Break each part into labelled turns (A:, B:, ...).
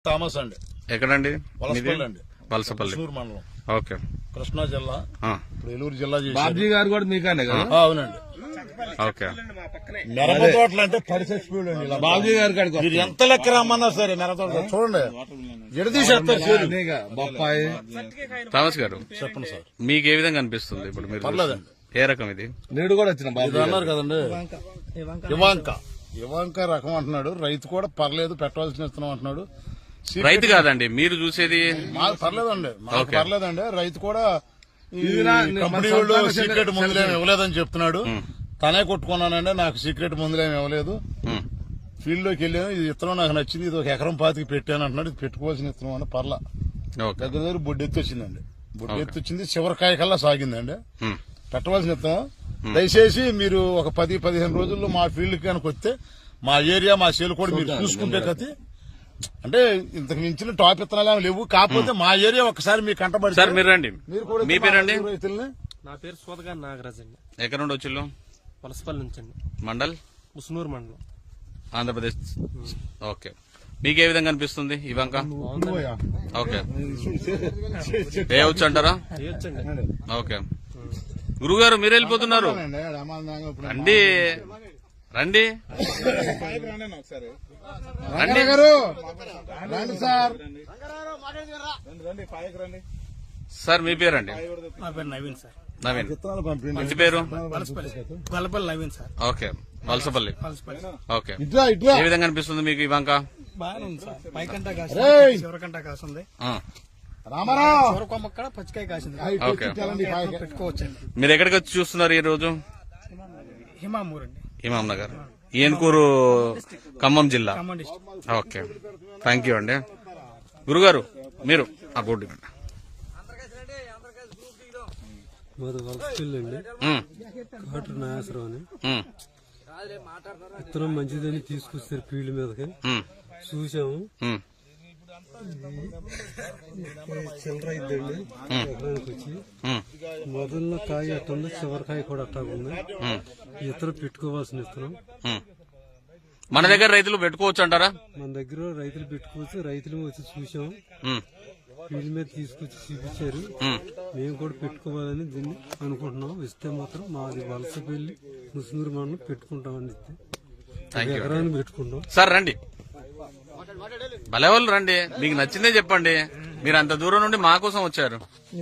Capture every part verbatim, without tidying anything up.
A: Thomas అండి.
B: ఎక్కడండి?
A: వలసపల్లి అండి,
B: వలసపల్లి
A: మండలం,
B: ఓకే,
A: కృష్ణా జిల్లా. ఇప్పుడు ఏలూరు జిల్లా
C: బాబ్జీ గారు కూడా మీకనే కదా?
A: అవునండి.
B: ఓకే.
A: మిరప తోటలు అంటే పడి చచ్చిపోయాడు ఇలా.
C: బాబ్జీ గారు కాడికి
A: మీరు ఎంత లెక్క రమ్మన్నా సరే మిరప తోట చూడండి ఎడదీసేస్తారు.
C: బొప్పాయి.
B: థామస్ గారు
A: చెప్పండి సార్,
B: మీకు ఏ విధంగా అనిపిస్తుంది ఇప్పుడు? మీరు
A: పర్లేదండి.
B: ఏ రకం ఇది?
C: నేడు కూడా వచ్చిన బాబు
A: ఇది అన్నారు కదండి, ఇవాంక ఇవాంక రకం అంటున్నాడు. రైతు కూడా పర్లేదు, పెట్టవలసిన ఇస్తున్నాం అంటున్నాడు.
B: రైతు కాదండి మీరు చూసేది?
A: మాకు పర్లేదండి, మాకు
B: ఓకే.
A: పర్లేదండి. రైతు కూడా ఈ
C: ఇది నా-
A: కంపెనీ
C: మన
A: వాళ్ళు
C: సొంతంగా
A: సీక్రెట్
C: చెందిన-
A: మందులేమి ఇవ్వలేదని చెప్తున్నాడు. తనే కొట్టుకున్నానండి, నాకు సీక్రెట్ మందులేమి ఇవ్వలేదు.
B: ఉమ్,
A: ఫీల్డ్ లోకి వెళ్ళాను, ఇది ఇత్తనం నాకు నచ్చింది, ఇది ఒక ఎకరం పాతికి పెట్టాను అంటున్నాడు. ఇది పెట్టుకోవాల్సిన ఇత్తనం అంటే పర్లా.
B: ఓకే.
A: దగ్గర దగ్గర బొడ్డెత్తి వచ్చిందండి, బొడ్డెత్తి వచ్చింది, చివరికాయ కల్లా సాగిందండి.
B: ఉమ్,
A: పెట్టవలసిన ఇత్తనం. దయచేసి మీరు ఒక పది పదిహేను రోజుల్లో మా ఫీల్డ్ కనుక వస్తే మా ఏరియా మా సేలు కూడా మీరు చూసుకుంటే కతి అంటే ఇంతకు మించిన టాప్ ఇత్తనాలు ఏమి లేవు. కాకపోతే మా ఏరియా ఒకసారి మీకు కంటబడి
B: సార్ మీరు రండి.
A: మీరు కూడా
B: మీ పేరండి?
A: రైతుల్ని
D: నా పేరు సోదగా నాగరాజ్ అండి.
B: ఎక్కడ నుండి వచ్చిల్లు?
D: వలసపల్లి నుంచి అండి,
B: మండల్
D: ముసునూరు మండలం,
B: ఆంధ్రప్రదేశ్. ఓకే. మీకు ఏ విధంగా అనిపిస్తుంది ఇవంక? ఓకే. వేయవచ్చు అంటారా?
D: చేయొచ్చండి.
B: ఓకే. గురుగారు మీరు వెళ్ళిపోతున్నారు, రండి రండి రండి
A: గారు రండి సార్.
B: సార్ మీ పేరండి?
D: నా పేరు నవీన్ సార్.
B: నవీన్.
A: విత్తనాలు పంపిండి.
B: ఇంటి పేరు?
D: Gollapalli Naveen sir.
B: Okay. Valasapalli.
D: Valasapalli
B: okay.
A: ఇట్లా ఇట్లా
B: ఏ విధంగా అనిపిస్తుంది మీకు ఇవంక?
D: బాగానే ఉంది సార్. పైకంటా
A: రేయ్!
D: కాసింది, చివరికంటా కాసింది,
B: ఆ,
A: రామారావు
D: చివరి కొమ్మ కూడా పచ్చికాయ కాసింది.
B: ఓకే.
D: పెట్టుకోవచ్చండి.
B: మీరు ఎక్కడికి వచ్చి చూస్తున్నారు ఈ రోజు?
D: హిమామూర్ అండి,
B: ఇమాం నగర్, ఏన్కూరు, ఖమ్మం జిల్లా.
D: Khammam district.
B: Okay. Thank you అండి. గురుగారు మీరు ఆ బోర్డు ఇవ్వండి.
E: మాది వలసపల్లి అండి,
B: ఉమ్,
E: కాటర్ నాగేశ్వరం అని.
B: ఉమ్,
E: విత్తనం మంచిదని తీసుకొస్తారు ఫీల్డ్ మీదకి,
B: ఉమ్,
E: చూసాము.
B: ఉమ్,
E: చిల్లర అయిద్దండి ఎకరానికి వచ్చి.
B: ఉమ్,
E: మొదల్లో కాయ అట్టుంది, చివరికాయ కూడా అట్టాగుంది.
B: ఉమ్,
E: ఇతరం పెట్టుకోవాల్సిన విత్తనం
B: ఉమ్. మన దగ్గర రైతులు పెట్టుకోవచ్చు అంటారా?
E: మన దగ్గర రైతులు పెట్టుకోవచ్చు, రైతులు వచ్చి చూసాము,
B: ఉమ్,
E: ఫీల్డ్ మీద తీసుకొచ్చి చూపించారు.
B: ఉమ్.
E: మేము కూడా పెట్టుకోవాలని దీన్ని అనుకుంటున్నాం. ఇస్తే మాత్రం మాది వలసపల్లి ముసునూరు మండలం పెట్టుకుంటామని ఇస్తే
B: థ్యాంక్ యూ.
E: ఎకరాన్ని పెట్టుకుంటాం.
B: సార్ రండి, భలే వాళ్ళు రండి, మీకు నచ్చిందే చెప్పండి. మీరు అంత దూరం నుండి మా కోసం వచ్చారు.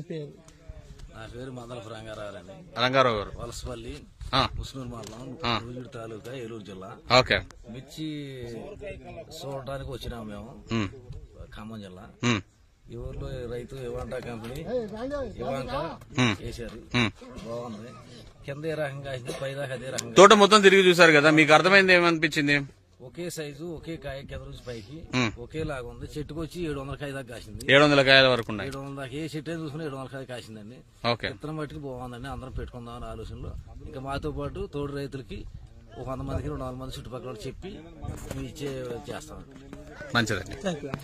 F: నా పేరు మందలపు రంగారావులండి,
B: రంగారావు గారు.
F: వలసపల్లి
B: ఆ,
F: ముస్నూరు మండలం,
B: ఆ.
F: నూజివీడు తాలూకా, ఏలూరు జిల్లా.
B: ఓకే.
F: మిర్చి చూడటానికి వచ్చినాము మేము,
B: ఉమ్,
F: ఖమ్మం జిల్లా.
B: ఉమ్,
F: ఈ ఊర్లో రైతు ఇవాంటా కంపెనీ ఇవాంక
B: ఉమ్,
F: వేశారు,
B: ఉమ్.
F: బాగుంది. కింద ఏ రకంగా కాసింది, పై దాకా అదే రకంగా.
B: తోట మొత్తం తిరిగి చూసారు కదా, మీకు అర్థమైంది ఏమనిపించింది?
F: ఒకే సైజు, ఒకే కాయ, కింద నుంచి పైకి
B: ఉమ్.
F: ఒకేలాగా ఉంది. చెట్టుకు వచ్చి ఏడు వందల కాయ దాకా కాసింది.
B: ఏడు వందల కాయల వరకు ఉన్నాయి.
F: ఏడు వందల దాకా ఏ చెట్టు అయినా చూసుకుని ఏడు వందల కాయ కాసిందండి.
B: ఓకే.
F: విత్తనం బట్టి బాగుందండి, అందరం పెట్టుకుందామని ఆలోచనలో. ఇంకా మాతో పాటు తోడు రైతులకి ఒక వంద మందికి రెండు వందల మంది చుట్టుపక్కల వాళ్ళకి చెప్పి మేము ఇచ్చే చేస్తాం.
B: మంచిదండి.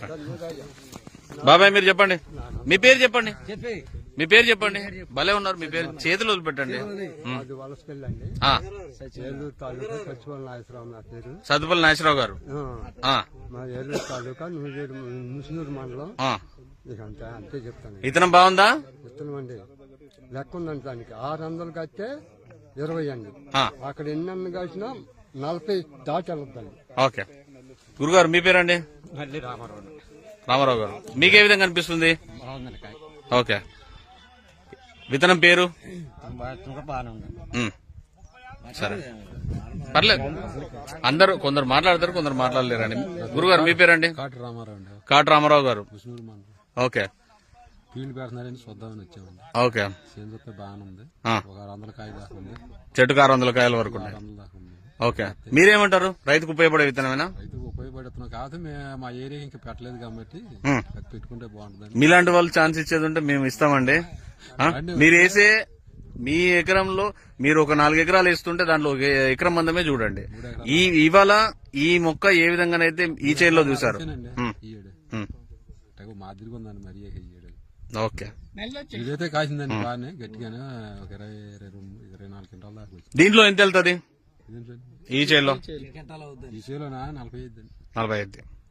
B: బాబాయ్ మీరు చెప్పండి, మీ పేరు చెప్పండి, మీ పేరు చెప్పండి. భలే ఉన్నారు, మీ పేరు చేతులు వదిలిపెట్టండి. ఉమ్.
E: అది వలసపల్లి అండి,
B: ఆ,
E: ఏలూరు తాలూకా సచివాల నాగేశ్వరరావు నా పేరు.
B: సత్తుపల్లి నాగేశ్వరరావు గారు.
E: ఆ,
B: ఆ,
E: మా ఏలూరు తాలూకా నూజివీడు ముసునూరు మండలం.
B: ఆ.
E: ఇక అంతే అంతే చెప్తాను.
B: ఇతనం బాగుందా?
E: విత్తనం అండి లెక్క ఉందండి దానికి. ఆరు వందలు కట్టే ఇరవై అండి,
B: ఆ,
E: అక్కడ ఎన్ని అన్న కాసినా నలభై దాటి వెళ్ళొద్దండి.
B: ఓకే. గురుగారు మీ పేరండి?
D: మళ్ళీ రామారావు.
B: రామారావు గారు, మీకే విధంగా అనిపిస్తుంది? ఓకే. విత్తనం పేరు?
D: బాగానే ఉంది.
B: ఉమ్. సరే, పర్లేదు. అందరూ కొందరు మాట్లాడతారు, కొందరు మాట్లాడలేరండి. గురుగారు మీ పేరండి?
E: కాటి రామారావు అండి,
B: కాటు రామారావు గారు.
E: ముసునూరు మండలం.
B: ఓకే.
E: ఫీల్డ్ పెడుతున్నారని చూద్దామని వచ్చామండి.
B: ఓకే.
E: సేంద్రత బాగానే ఉంది,
B: ఆ.
E: ఒక ఆరు వందల కాయ దాకా ఉంది,
B: చెట్టుకు ఆరు వందల కాయల వరకు ఉన్నాయి.
E: ఆరు వందల దాకా ఉంది.
B: ఓకే. మీరేమంటారు? రైతుకు ఉపయోగపడే విత్తనమేనా?
E: రైతుకు ఉపయోగపడుతున్నాం కాదు, మేము మా ఏరియా ఇంకా పెట్టలేదు కాబట్టి
B: ఉమ్.
E: అది పెట్టుకుంటే బాగుంటుందండి.
B: మీలాంటి వాళ్ళు ఛాన్స్ ఇచ్చేది ఉంటే మేము ఇస్తామండి. ఆ? మీరు వేసే మీ ఎకరంలో మీరు ఒక నాలుగు ఎకరాలు వేస్తుంటే దాంట్లో ఒక ఎకరం మందమే చూడండి. ఈ ఇవాళ ఈ మొక్క ఏ విధంగానైతే ఈ చేతిలో చూసారు.
E: అంతేనండి,
B: ఉమ్,
E: ఈ ఏడు
B: ఉమ్.
E: తెగ మాదిరిగా ఉందండి మరి ఈ ఏడు.
B: ఓకే.
E: ఇదైతే కాసిందండి బాగానే గట్టిగానే, ఒక ఇరవై ఇరవై రెండు ఇరవై నాలుగు క్వింటాల దాకా వచ్చింది.
B: దీంట్లో ఎంత వెళ్తుంది
E: ఇదేంటండి?
B: ఈ చేతిలో?
E: ఈ చేలోనా నలభై ఐదు అండి.
B: నలభై ఐదు.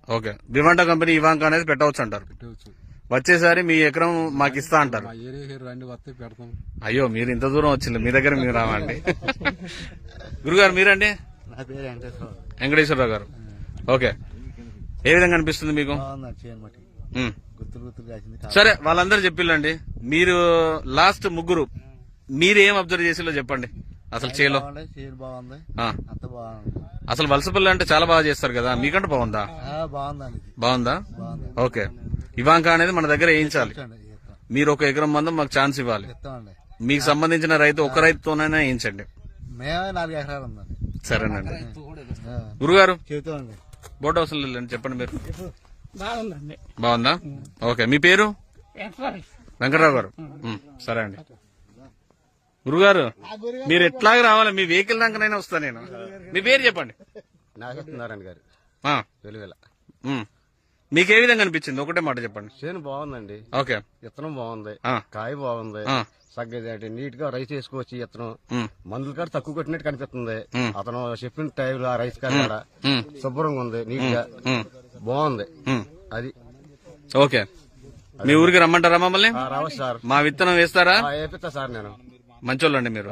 B: ఓకే వివాంటా కంపెనీ ఇవాంక అనేది పెట్టవచ్చు అంటారు.
C: పెట్టవచ్చు.
B: వచ్చేసారి మీ ఎకరం మాకు ఇస్తా అంటారు.
C: మా ఏరియాకి రండి వస్తే పెడతాం.
B: అయ్యో మీరు ఇంత దూరం వచ్చింది, మీ దగ్గర మీరు రావండి. గురుగారు మీరండి?
D: నా పేరు వెంకటేశ్వర
B: వెంకటేశ్వరరావు గారు. ఓకే ఏ విధంగా అనిపిస్తుంది మీకు?
D: చేయనమాట
B: ఉమ్.
D: గుర్తులు గుర్తులు కాసింది.
B: సరే వాళ్ళందరూ చెప్పిల్లండి, మీరు లాస్ట్ ముగ్గురు మీరు ఏం అబ్జర్వ్ చేసిలో చెప్పండి. అసలు చేలో
D: చేను బాగుంది,
B: ఆ.
D: అంత బాగుంది.
B: అసలు వలసపల్లి అంటే చాలా బాగా చేస్తారు కదా, మీకంటే బాగుందా?
D: బాగుందండి,
B: బాగుందా?
D: బాగుంది.
B: ఓకే ఇవాంక అనేది మన దగ్గర వేయించాలి.
D: ఇస్తాం
B: మీరు ఒక ఎకరం మందం మాకు ఛాన్స్ ఇవ్వాలి.
D: ఇస్తామండి.
B: మీకు సంబంధించిన రైతు ఒక రైతుతోనైనా వేయించండి.
D: మేమే నాలుగు ఎకరాలు ఉందండి.
B: సరేనండి. గురుగారు
D: చెబుతామండి.
B: బోర్డు అవసరం లేదండి, చెప్పండి మీరు.
D: బాగుందండి.
B: బాగుందా? ఓకే మీ పేరు? వెంకటరావు గారు. ఉమ్, సరే అండి. గురుగారు మీరు ఎట్లాగ రావాలి, మీ వెహికల్ దాకానైనా వస్తా నేను. మీ పేరు చెప్పండి.
D: నాగేశ్వరనారాయణ గారు
B: ఆ,
D: వెలువెల.
B: ఉమ్. మీకు ఏ విధంగా అనిపించింది ఒకటే మాట చెప్పండి.
D: చేను బాగుందండి,
B: ఓకే
D: విత్తనం బాగుంది,
B: ఆ.
D: కాయ బాగుంది,
B: ఆ.
D: సగ్గది నీట్ గా రైస్ వేసుకోవచ్చు. విత్తనం
B: ఉమ్,
D: మందుల కాడ తక్కువ కొట్టినట్టు కనిపిస్తుంది.
B: ఉమ్.
D: అతను చెప్పిన టైంలో ఆ రైస్ కాడ
B: ఉమ్,
D: శుభ్రంగా ఉంది, నీట్ గా
B: ఉమ్,
D: బాగుంది.
B: ఉమ్.
D: అది
B: ఓకే మీ ఊరికి రమ్మంటారా మమ్మల్ని?
D: ఆ, రావచ్చు సార్.
B: మా విత్తనం వేస్తారా?
D: ఆ, వేపిస్తా సార్ నేను.
B: మంచోళ్ళండి మీరు.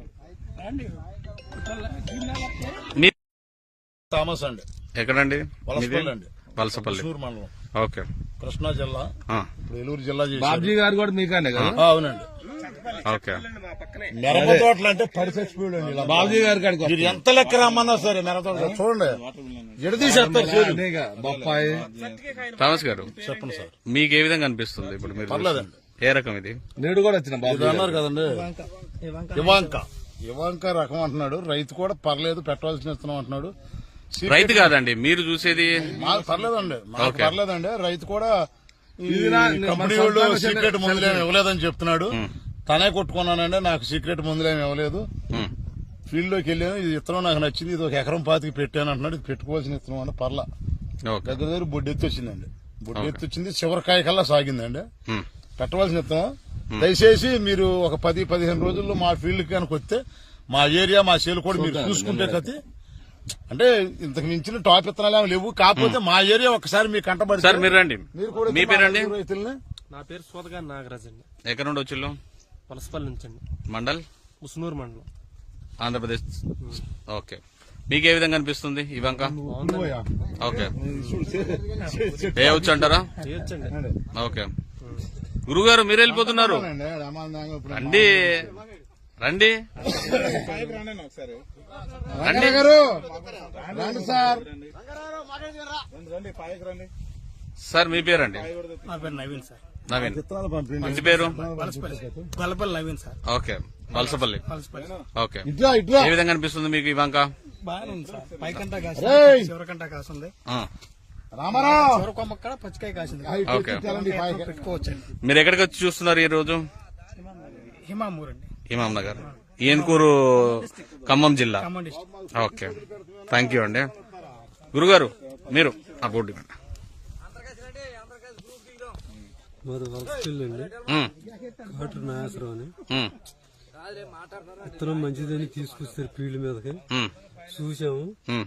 B: మీ
A: థామస్ అండి,
B: ఎక్కడండి?
A: వలసపల్లి అండి,
B: వలసపల్లి.
A: చిత్తూరు మండలం,
B: ఓకే
A: కృష్ణా జిల్లా.
B: ఆ,
A: ఇప్పుడు ఏలూరు జిల్లా చేశారు.
C: బాబ్జీ గారు కూడా మీకనే కదా?
A: ఆ, అవునండి.
B: ఓకే
A: మిరప తోటలు అంటే పడి చచ్చిపోయాడు అండి ఇలా.
C: బాబ్జీ గారి కాడికి
A: మీరు ఎంత లెక్క రమ్మన్నా సరే మిరప తోట చూడండి ఎడదీసేస్తారు చేలు.
C: అదేగా బొప్పాయి.
B: థామస్ గారు
A: చెప్పండి సార్.
B: మీకు ఏ విధంగా అనిపిస్తుంది ఇప్పుడు మీరు
A: పర్లేదండి.
B: చూస్తే? ఏ రకం ఇది?
C: నేడు కూడా వచ్చిన బాబు
A: ఇది అన్నారు కదండి ఇవాంక ఇవాంక రకం అంటున్నాడు. రైతు కూడా పర్లేదు పెట్టవలసిన ఇస్తున్నాం అంటున్నాడు. సీక్రెట్
B: రైతు కాదండి మీరు చూసేది.
A: మాకు పర్లేదండి, మాకు
B: ఓకే.
A: పర్లేదండి. రైతు కూడా ఈ
C: ఇది నా-
A: కంపెనీ
C: మన
A: వాళ్ళు
C: సొంతంగా
A: సీక్రెట్
C: చిన్న-
A: మందులేమి ఇవ్వలేదని చెప్తున్నాడు. తనే కొట్టుకున్నానండి, నాకు సీక్రెట్ మందులేమి ఇవ్వలేదు.
B: ఉమ్,
A: ఫీల్డ్ లోకి వెళ్ళాను, ఇది ఇత్తనం నాకు నచ్చింది, ఇది ఒక ఎకరం పాతికి పెట్టాను అంటున్నాడు. ఇది పెట్టుకోవాల్సిన ఇత్తనం అంటే పర్లా.
B: ఓకే
A: దగ్గర దగ్గర బొడ్డెత్తి వచ్చిందండి, బొడ్డెత్తి వచ్చింది, చివరికాయ కల్లా సాగిందండి.
B: ఉమ్,
A: పెట్టవలసిన ఇత్తనం. దయచేసి మీరు ఒక పది పదిహేను రోజుల్లో మా ఫీల్డ్ కనుక వస్తే మా ఏరియా మా సేలు కూడా మీరు చూసుకుంటే కతి అంటే ఇంతకు మించిన టాప్ ఇత్తనాలు ఏమి లేవు. కాకపోతే మా ఏరియా ఒకసారి మీకు కంటబడి
B: సార్ మీరు రండి.
A: మీరు కూడా
B: మీ పేరండి?
A: రైతుల్ని
E: నా పేరు సోదగా నాగరాజ్ అండి,
B: ఎక్కడ నుండి వచ్చిల్లు?
E: వలసపల్లి నుంచి అండి,
B: మండల్
E: ముసునూరు మండలం.
B: ఆంధ్రప్రదేశ్. ఓకే మీకు ఏ విధంగా అనిపిస్తుంది ఇవాంక? ఓకే వేయవచ్చు అంటారా?
E: చేయొచ్చండి.
B: ఓకే గురుగారు మీరు వెళ్ళిపోతున్నారు, రండి రండి రండి
A: గారు రండి సార్.
B: సార్ మీ పేరండి?
D: నా పేరు నవీన్ సార్,
B: నవీన్.
A: విత్తనాలు పంపిండి.
B: మంచి పేరు?
D: Gollapalli Naveen sir,
B: okay Valasapalli.
D: Palasapalli.
B: Okay
A: ఇట్లా ఇట్లా
B: ఏ విధంగా అనిపిస్తుంది మీకు ఇవాంక?
D: బాగానే ఉంది సార్. పైకంటా కాసింది,
A: రేయ్!
D: చివరికంటా కాసింది.
B: ఆ,
A: రామారావు
D: చివరి కొమ్మ కూడా పచ్చికాయ కాసింది.
B: ఓకే.
D: పెట్టుకోవచ్చండి.
B: మీరు ఎక్కడికి వచ్చి చూస్తున్నారు ఈ రోజు?
D: హిమామూర్ అండి,
B: ఇమాం నగర్, ఏన్కూరు, ఖమ్మం జిల్లా.
D: Khammam district.
B: Okay thank you అండి. గురుగారు మీరు ఆ బోర్డు ఇవ్వండి.
E: మాది వలసపల్లి అండి,
B: ఉమ్,
E: కాటు నాగేశ్వరరావు అని.
B: ఉమ్,
E: విత్తనం మంచిదని తీసుకొస్తారు ఫీల్డ్ మీదకి,
B: ఉమ్,
E: చూసాము.
B: ఉమ్,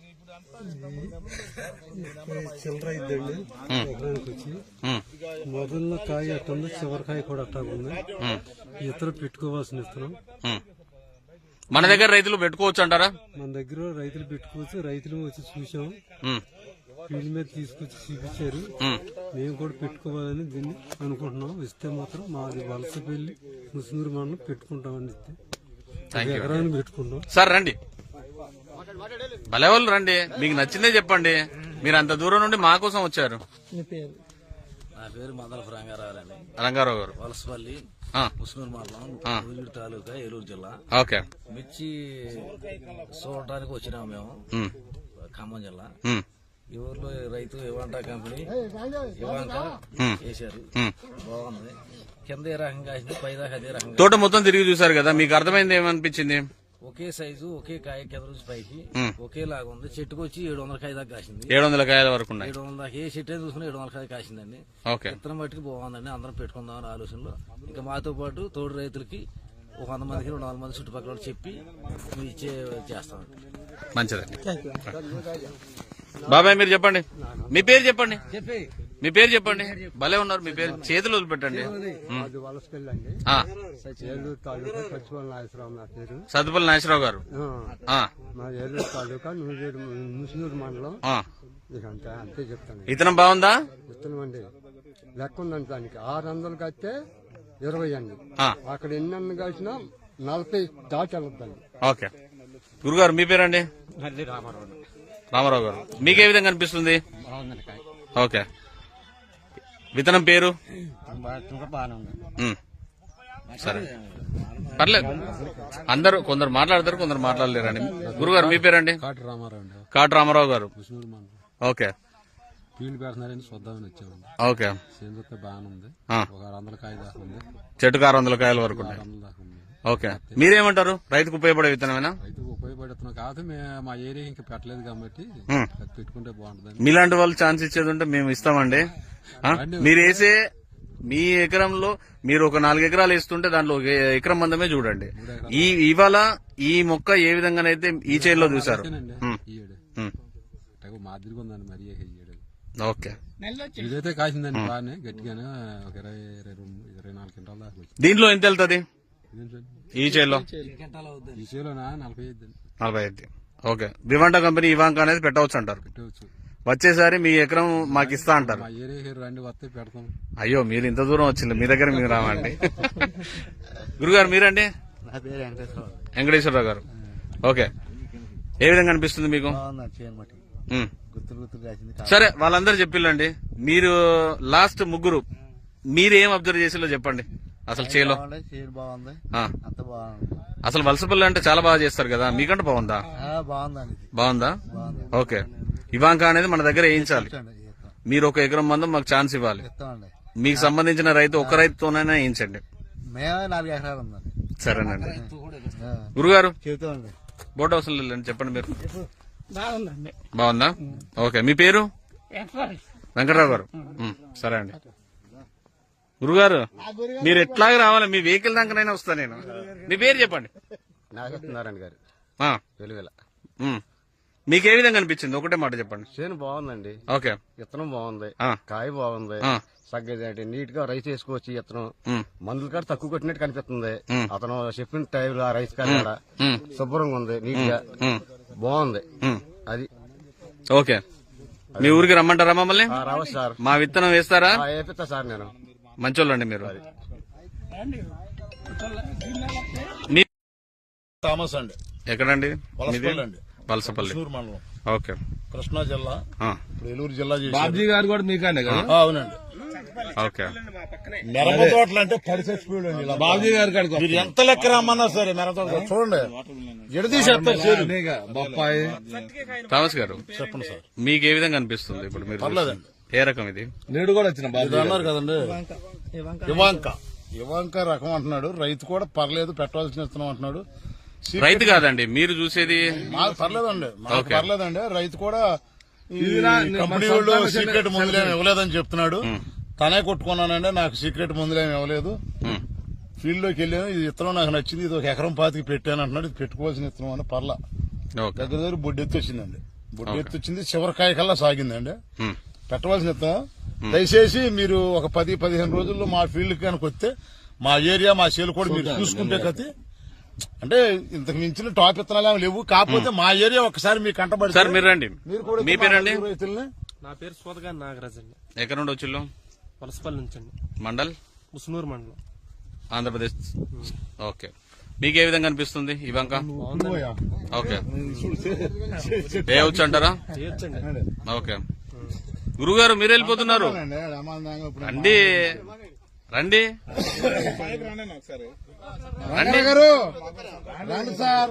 E: చిల్లర అయిద్దండి ఎకరానికి వచ్చి.
B: ఉమ్,
E: మొదల్లో కాయ అట్టుంది, చివరికాయ కూడా అట్టాగుంది.
B: ఉమ్,
E: ఇతర పెట్టుకోవాల్సిన విత్తనం
B: ఉమ్. మన దగ్గర రైతులు పెట్టుకోవచ్చు అంటారా?
E: మన దగ్గర రైతులు పెట్టుకోవచ్చు, రైతులు వచ్చి చూసాము,
B: ఉమ్,
E: ఫీల్డ్ మీద తీసుకొచ్చి చూపించారు.
B: ఉమ్.
E: మేము కూడా పెట్టుకోవాలని దీన్ని అనుకుంటున్నాం. ఇస్తే మాత్రం మాది వలసపల్లి ముసునూరు మండలం పెట్టుకుంటామని ఇస్తే
B: థ్యాంక్ యూ.
E: ఎకరాన్ని పెట్టుకుంటాం.
B: సార్ రండి, భలే వాళ్ళు రండి, మీకు నచ్చిందే చెప్పండి. మీరు అంత దూరం నుండి మా కోసం వచ్చారు.
D: మీ పేరు?
F: నా పేరు మందల రంగారావు అండి,
B: రంగారావు గారు.
F: వలసపల్లి
B: ఆ,
F: ముస్నూరు మండలం,
B: ఆ.
F: ఉజిడి తాలూకా, ఏలూరు జిల్లా.
B: ఓకే
F: మిర్చి చూడటానికి వచ్చినాము మేము,
B: ఉమ్,
F: ఖమ్మం జిల్లా.
B: ఉమ్,
F: ఈ ఊర్లో రైతు ఇవాంటా కంపెనీ ఇవాంక
B: ఉమ్,
F: వేశారు,
B: ఉమ్.
F: బాగుంది. కింద ఏ రకంగా కాసింది, పై దాకా అదే రకంగా.
B: తోట మొత్తం తిరిగి చూసారు కదా, మీకు అర్థమైంది ఏమనిపించింది?
F: ఒకే సైజు, ఒకే కాయ, కింద నుంచి పైకి
B: ఉమ్.
F: ఒకేలాగా ఉంది. చెట్టుకు వచ్చి ఏడు వందల కాయ దాకా కాసింది.
B: ఏడు వందల కాయల వరకు ఉన్నాయి.
F: ఏడు వందల దాకా ఏ చెట్టు అయినా చూసుకుని ఏడు వందల కాయ కాసిందండి.
B: ఓకే
F: విత్తనం బట్టికి బాగుందండి. అందరం పెట్టుకుందామని ఆలోచనలో, ఇంకా మాతో పాటు తోడు రైతులకి ఒక వంద మందికి రెండు వందల మంది చుట్టుపక్కల చెప్పి మేము ఇచ్చే చేస్తామండి.
B: మంచిదండి.
D: Thank you.
B: బాబాయ్ మీరు చెప్పండి, మీ పేరు చెప్పండి, మీ పేరు చెప్పండి. భలే ఉన్నారు, మీ పేరు చేతులు వదిలిపెట్టండి.
E: అది వలసకెళ్ళండి
B: ఆ,
E: ఏలూరు తాలూకా పచ్చిపల్లి నాగేశ్వరరావు నా పేరు.
B: సత్తుపల్లి నాగేశ్వరరావు గారు.
E: ఆ,
B: ఆ,
E: మా ఏలూరు తాలూకా నూజేడు ముసునూరు మండలం.
B: ఆ.
E: ఇక అంతే అంతే చెప్తాను.
B: ఇతనం బాగుందా?
E: ఇస్తున్నామండి లెక్క ఉందండి దానికి. ఆరు వందలు కడితే ఇరవై అండి.
B: ఆ,
E: అక్కడ ఎన్ని అన్న కలిసినా నలభై దాటి వెళ్ళొద్దండి.
B: ఓకే. గురుగారు మీ పేరండి?
D: మళ్ళీ రామారావు
B: రామారావు గారు, మీకే విధంగా అనిపిస్తుంది? ఓకే. విత్తనం పేరు?
D: బాగానే ఉంది.
B: ఉమ్. సరే పర్లేదు, అందరూ కొందరు మాట్లాడతారు, కొందరు మాట్లాడలేరండి. గురుగారు మీ పేరండి?
C: కాటి రామారావు అండి,
B: కాటు రామారావు గారు.
C: ముస్నూరు మండలం.
B: ఓకే
C: ఫీల్డ్ పెడుతున్నారని చూద్దామని వచ్చామండి.
B: ఓకే.
C: సేంద్రత బాగానే ఉంది.
B: ఆ.
C: ఒక ఆరు వందల కాయ దాకా ఉంది,
B: చెట్టుకు ఆరు వందల కాయల వరకు ఉన్నాయి.
C: ఆరు వందల దాకా ఉంది.
B: ఓకే. మీరేమంటారు? రైతుకు ఉపయోగపడే విత్తనమేనా?
C: రైతుకు ఉపయోగపడుతున్నాం కాదు, మేము మా ఏరియా ఇంకా పెట్టలేదు కాబట్టి
B: ఉమ్.
C: అది పెట్టుకుంటే బాగుంటుందని.
B: మీలాంటి వాళ్ళు ఛాన్స్ ఇచ్చేది ఉంటే మేము ఇస్తామండి. ఆ? మీరు వేసే మీ ఎకరంలో మీరు ఒక నాలుగు ఎకరాలు వేస్తుంటే దాంట్లో ఒక ఎకరం మందమే చూడండి. ఈ ఇవాళ ఈ మొక్క ఏ విధంగానైతే ఈ చేతిలో చూసారు.
C: అంతేనండి,
B: ఉమ్.
C: ఈ ఏడు
B: ఉమ్.
C: అంటే మాదిరిగా ఉందండి మరి ఈ ఏడు.
B: ఓకే.
C: ఇదైతే కాసిందండి బాగానే గట్టిగానే, ఒక ఇరవై ఇరవై రెండు ఇరవై నాలుగు క్వింటాల దాకా వచ్చింది.
B: దీంట్లో ఎంత వెళ్తుంది
C: ఇదేంటండి?
B: ఈ చేతిలో?
C: ఈ చేలోనా నలభై ఐదు అండి
B: నలభై ఐదు. ఓకే. వివాంటా కంపెనీ ఇవాంక అనేది పెట్టవచ్చు అంటారు.
C: పెట్టవచ్చు.
B: వచ్చేసారి మీ ఎకరం మాకు ఇస్తా అంటారు.
C: మా ఏరియాకి రండి వస్తే పెడతాం.
B: అయ్యో మీరు ఇంత దూరం వచ్చింది, మీ దగ్గర మీరు రావండి. గురుగారు మీరండి?
D: నా పేరు వెంకటేశ్వరరావు.
B: వెంకటేశ్వరరావు గారు. ఓకే. ఏ విధంగా అనిపిస్తుంది మీకు?
D: బాగుందండి చేయనమాట.
B: ఉమ్.
D: గుర్తులు గుర్తులు రాసింది.
B: సరే వాళ్ళందరూ చెప్పిల్లండి, మీరు లాస్ట్ ముగ్గురు మీరు ఏం అబ్జర్వ్ చేసిలో చెప్పండి. అసలు చేలో
D: చేను బాగుంది,
B: ఆ.
D: అంత బాగుంది.
B: అసలు వలసపల్లి అంటే చాలా బాగా చేస్తారు కదా, మీకంటే బాగుందా?
D: బాగుందండి.
B: బాగుందా?
D: బాగుంది.
B: ఓకే. ఇవాంక అనేది మన దగ్గర వేయించాలి.
D: ఇస్తాం
B: మీరు ఒక ఎకరం మందం మాకు ఛాన్స్ ఇవ్వాలి.
D: ఇస్తామండి.
B: మీకు సంబంధించిన రైతు ఒక రైతుతోనైనా వేయించండి.
D: మేమే నాలుగు ఎకరాలు ఉందండి.
B: సరేనండి. గురుగారు
D: చెబుతామండి.
B: బోట్ అవసరం లేదండి, చెప్పండి మీరు.
D: బాగుందండి.
B: బాగుందా? ఓకే. మీ పేరు? వెంకటరావు గారు. ఉమ్, సరే అండి. గురుగారు మీరు ఎట్లాగే రావాలి, మీ వెహికల్ దాకానైనా వస్తా నేను. మీ పేరు చెప్పండి.
E: నాగేశ్వరనారాయణ గారు
B: ఆ,
E: వెలువెల.
B: ఉమ్. మీకు ఏ విధంగా అనిపించింది? ఒకటే మాట చెప్పండి.
E: చేను బాగుందండి,
B: ఓకే.
E: విత్తనం బాగుంది,
B: ఆ.
E: కాయ బాగుంది,
B: ఆ.
E: సగ్గది నీట్ గా రైస్ వేసుకోవచ్చు. ఈ విత్తనం
B: ఉమ్,
E: మందుల కాడ తక్కువ కొట్టినట్టు కనిపిస్తుంది.
B: ఉమ్.
E: అతను చెప్పిన టైంలో ఆ రైస్ కాడ
B: ఉమ్,
E: శుభ్రంగా ఉంది, నీట్ గా
B: ఉమ్,
E: బాగుంది.
B: ఉమ్.
E: అది
B: ఓకే. మీ ఊరికి రమ్మంటారా మమ్మల్ని?
E: ఆ, రావచ్చు సార్.
B: మా విత్తనం వేస్తారా?
E: ఆ, వేపిస్తా సార్ నేను.
B: మంచోళ్ళండి మీరు. మీ
A: థామస్ అండి,
B: ఎక్కడండి?
A: వలసపల్లి అండి,
B: వలసపల్లి.
A: ముస్నూరు మండలం,
B: ఓకే.
A: కృష్ణా జిల్లా.
B: ఆ,
A: ఇప్పుడు ఏలూరు జిల్లా చేశారు.
C: బాబ్జీ గారు కూడా మీకండే కదా?
A: ఆ, అవునండి.
B: ఓకే.
A: మిరప తోటలు అంటే పడి చచ్చిపోయాడు అండి. ఇలా
C: బాబ్జీ గారి కాడికి
A: మీరు ఎంత లెక్క రమ్మన్నా సరే మిరప తోట చూడండి, ఎడదీసేస్తారు చేరు.
C: వస్తున్నాయిగా, బొప్పాయి.
B: థామస్ గారు
A: చెప్పండి సార్.
B: మీకు ఏ విధంగా అనిపిస్తుంది ఇప్పుడు మీరు
A: పర్లేదండి.
B: చూసి? ఏ రకం ఇది?
C: నేడు కూడా వచ్చిన బాబ్జీ
A: ఇది అన్నారు కదండి, ఇవాంక ఇవాంక రకం అంటున్నాడు. రైతు కూడా పర్లేదు, పెట్టవలసిన ఇస్తున్నాం అంటున్నాడు. సీ-
B: రైతు కాదండి మీరు చూసేది.
A: మాకు పర్లేదండి, మాకు
B: ఓకే.
A: పర్లేదండి. రైతు కూడా ఈ
C: ఇదిరా,
A: కంపెనీ
C: మన
A: వాళ్ళు
C: సొంతంగా
A: సీక్రెట్
C: చిన్న-
A: మందులేమి ఇవ్వలేదని చెప్తున్నాడు. తనే కొట్టుకున్నానండి, నాకు సీక్రెట్ మందులేమి ఇవ్వలేదు.
B: ఉమ్,
A: ఫీల్డ్ లోకి వెళ్ళాను, ఇది ఇత్తనం నాకు నచ్చింది, ఇది ఒక ఎకరం పాతికి పెట్టాను అంటున్నాడు. ఇది పెట్టుకోవాల్సిన ఇత్తనం అని పర్లా.
B: ఓకే.
A: దగ్గర దగ్గర బొడ్డెత్తి వచ్చిందండి, బొడ్డెత్తి వచ్చింది, చివరికాయ కల్లా సాగిందండి.
B: ఉమ్,
A: పెట్టవలసిన ఇత్తనం. దయచేసి మీరు ఒక పది పదిహేను రోజుల్లో మా ఫీల్డ్ కనుక వస్తే మా ఏరియా మా చేలు కూడా మీరు చూసుకుంటే కతి, అంటే ఇంతకు మించిన టాప్ ఇత్తనాలు ఏమి లేవు. కాకపోతే మా ఏరియా ఒకసారి మీకు కంటబడి
B: సార్ మీరు రండి.
A: మీరు కూడా
B: మీ పేరండి?
A: రైతుల్ని
D: నా పేరు సోదగా నాగరాజ్ అండి,
B: ఎక్కడ నుండి వచ్చిల్లు?
D: వలసపల్లి నుంచి అండి,
B: మండల్
D: ముసునూరు మండలం.
B: ఆంధ్రప్రదేశ్. ఓకే. మీకు ఏ విధంగా అనిపిస్తుంది ఇవాంక? ఓకే. వేయవచ్చు అంటారా?
D: చేయొచ్చండి.
B: ఓకే. గురుగారు మీరు వెళ్ళిపోతున్నారు, రండి రండి రండి.
A: గారు రండి సార్.